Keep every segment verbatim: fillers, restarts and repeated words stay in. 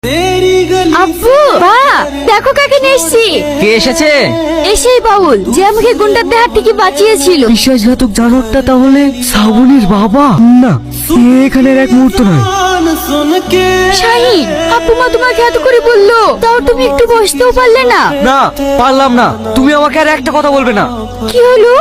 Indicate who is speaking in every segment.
Speaker 1: আব্বু বা দেখো কাকে নিয়ে এসেছি।
Speaker 2: কে এসেছে?
Speaker 1: এসেই বাউল যে আমাকে গুন্ডাদের হাত থেকে বাঁচিয়েছিল।
Speaker 3: বিশ্বাসঘাতক জানোয়ারটা তাহলে শ্রাবণীর বাবা? না, এখানের এক মুহূর্ত নয়।
Speaker 1: শাহিন, আব্বু মা তোমাকে এত করে বললো, তাও তুমি একটু বসতেও পারলে না।
Speaker 3: না, পারলাম না। তুমি আমাকে আর একটা কথা বলবে না।
Speaker 1: কি হলো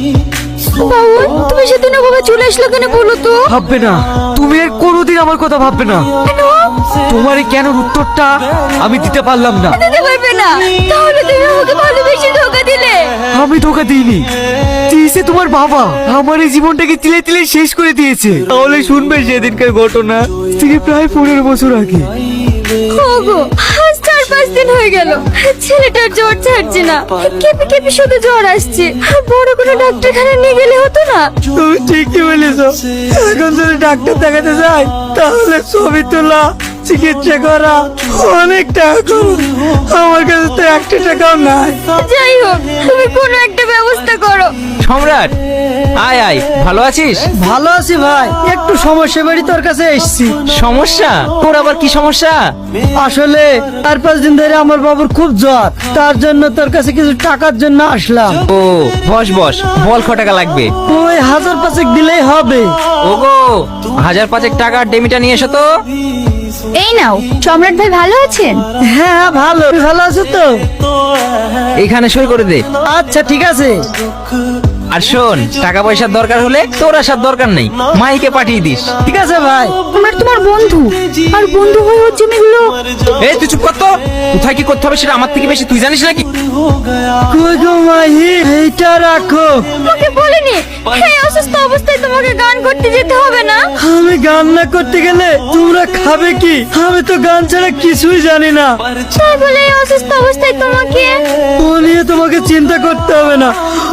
Speaker 1: বাউল, তুমি সেদিন ওভাবে চলে আসলে কেন বলো তো?
Speaker 3: ভাববে না, তুমি আর কোনোদিন আমার কথা ভাববে না।
Speaker 1: কেন?
Speaker 3: তোমার এই কেন উত্তরটা আমি দিতে পারলাম না।
Speaker 1: দিতে পারবে না? তাহলে তুমি আমাকে ভালোবেসে ধোকা দিলে।
Speaker 3: আমি ধোকা দিইনি, দিয়েছে তোমার বাবা। আমার এই জীবনটাকে তিলে তিলে শেষ করে দিয়েছে। তাহলে শুনবে সেদিনকার ঘটনা থেকে প্রায় পনেরো বছর আগে।
Speaker 1: ওগো, আজ চার পাঁচ দিন হয়ে গেল ছেলেটার জ্বর ছাড়ছে না, কেঁপে কেঁপে শুধু জ্বর আসছে। বড় কোনো ডাক্তারখানা নিয়ে গেলে হতো না?
Speaker 3: তুমি ঠিকই বলেছো। এখন যদি ডাক্তার দেখাতে যাই তাহলে ছবি তোলা, চিকিৎসা করা, অনেক টাকা খরচ। আমার কাছে তো একটা টাকাও নাই।
Speaker 1: যাই হোক, তুমি কোনো একটা ব্যবস্থা করো।
Speaker 2: সম্রাট, আয় আয়, ভালো আছিস?
Speaker 3: ভালো আছি ভাই, একটু সমস্যা বাড়ি তোর কাছে এসেছি।
Speaker 2: সমস্যা? তোর আবার কি সমস্যা?
Speaker 3: আসলে চার পাঁচ দিন ধরে আমার বাবুর খুব জ্বর, তার জন্য তোর কাছে কিছু টাকার জন্য আসলাম।
Speaker 2: ও, বস বস, বল ক টাকা লাগবে?
Speaker 3: ওই হাজার পাঁচেক দিলেই হবে।
Speaker 2: ওগো, হাজার পাঁচেক টাকার ডেমিটা নিয়ে এসো তো।
Speaker 1: এই নাও। সম্রাট ভাই ভালো আছেন?
Speaker 3: হ্যাঁ ভালো, তুমি ভালো আছো তো?
Speaker 2: এখানে সই করে দে।
Speaker 3: আচ্ছা ঠিক আছে।
Speaker 2: আর শোন, টাকা পয়সার দরকার হলে তোর আসার দরকার নেই, মাইকে পাঠিয়ে দিস।
Speaker 3: ঠিক আছে ভাই।
Speaker 1: সম্রাট তোমার বন্ধু, আর বন্ধু হয়ে ওর জমিগুলো।
Speaker 2: এই তুই চুপ কর তো। কোথায় কি করতে হবে সেটা আমার থেকে বেশি তুই জানিস নাকি?
Speaker 3: কই গো মাহি, এইটা রাখো।
Speaker 1: তোমাকে বলিনি এই অসুস্থ অবস্থায় তোমাকে গান করতে যেতে হবে না?
Speaker 3: আমি গান না করতে গেলে তোমরা খাবে কি? আমি তো গান ছাড়া কিছুই জানি না।
Speaker 1: তাই বলে এই অসুস্থ অবস্থায় তোমাকে?
Speaker 3: ও নিয়ে তোমাকে চিন্তা করতে হবে না।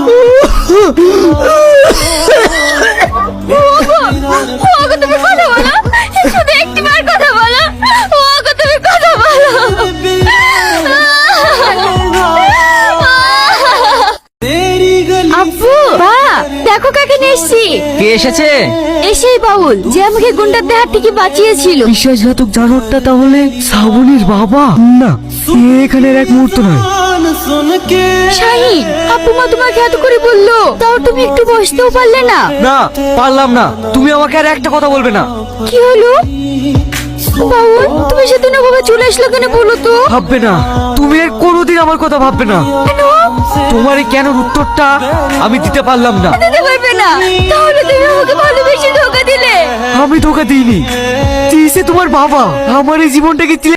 Speaker 1: ওগো, ওগো তুমি কথা বলো, শুধু একটিবার কথা বলো। ওগো তুমি কথা বলো। আব্বু বা দেখো কাকে নিয়ে এসেছি।
Speaker 2: কে এসেছে?
Speaker 1: এসেই বাউল যে আমাকে গুন্ডাদের হাত থেকে বাঁচিয়েছিল।
Speaker 3: বিশ্বাসঘাতক জানোয়ারটা তাহলে শ্রাবণীর বাবা? না, এখানের এক মুহূর্ত নয়।
Speaker 1: শাহিন, আব্বু মা তোমাকে এত করে বললো, তাও তুমি একটু বসতেও পারলে না।
Speaker 3: না, পারলাম না। তুমি আমাকে আর একটা কথা বলবে না।
Speaker 1: কি হলো বাউল, তুমি সেদিন ওভাবে চলে আসলে কেন বলো তো?
Speaker 3: ভাববে না, তুমি আর কোনোদিন আমার কথা ভাববে না।
Speaker 1: কেন?
Speaker 3: তোমার এই কেন উত্তরটা আমি দিতে পারলাম না।
Speaker 1: দিতে পারবে না? তাহলে তুমি আমাকে ভালোবেসে ধোকা দিলে।
Speaker 3: আমি ধোকা দিইনি, দিয়েছে তোমার বাবা। আমার এই জীবনটাকে তিলে